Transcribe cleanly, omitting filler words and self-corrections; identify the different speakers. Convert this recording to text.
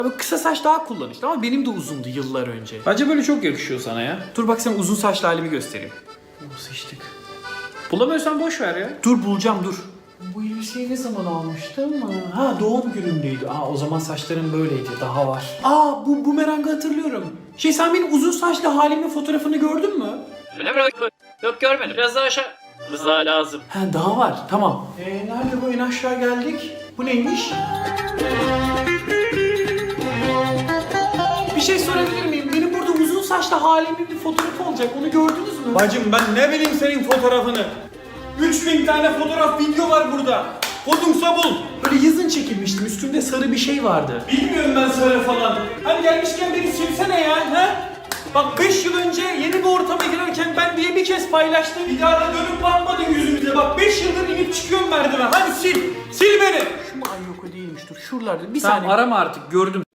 Speaker 1: Abi kısa saç daha kullanışlı ama benim de uzundu yıllar önce.
Speaker 2: Bence böyle çok yakışıyor sana ya.
Speaker 1: Dur bak sana uzun saçlı halimi göstereyim.
Speaker 2: Sıçtık. Bulamıyorsan boş ver ya.
Speaker 1: Dur bulacağım dur. Bu elbiseyi ne zaman almıştım? Ha doğum günümdeydi. O zaman saçlarım böyleydi. Daha var. Bu bumerangı hatırlıyorum. Sen benim uzun saçlı halimin fotoğrafını gördün mü?
Speaker 2: Öyle mi? Yok görmedim. Biraz daha aşağı. Biraz daha lazım.
Speaker 1: Daha var. Tamam. Nerede bu? En aşağı geldik. Bu neymiş? Bir şey sorabilir miyim? Benim burada uzun saçlı halimin bir fotoğrafı olacak. Onu gördünüz mü?
Speaker 3: Bacım ben ne bileyim senin fotoğrafını. 3000 tane fotoğraf video var burada. Kodumsa bul.
Speaker 1: Böyle yazın çekilmiştim. Üstümde sarı bir şey vardı.
Speaker 3: Bilmiyorum ben sarı falan. Hani gelmişken beni silsene ya. He? Bak 5 yıl önce yeni bir ortama girerken ben diye bir kez paylaştım. Bir daha da dönüp bakmadın yüzümüze. Bak 5 yıldır inip çıkıyorum merdiven. Hadi sil. Sil beni.
Speaker 1: Şu mu? Ay yok o değilmiş. Dur şuralarda. Bir
Speaker 2: Tamam
Speaker 1: saniye.
Speaker 2: arama artık gördüm.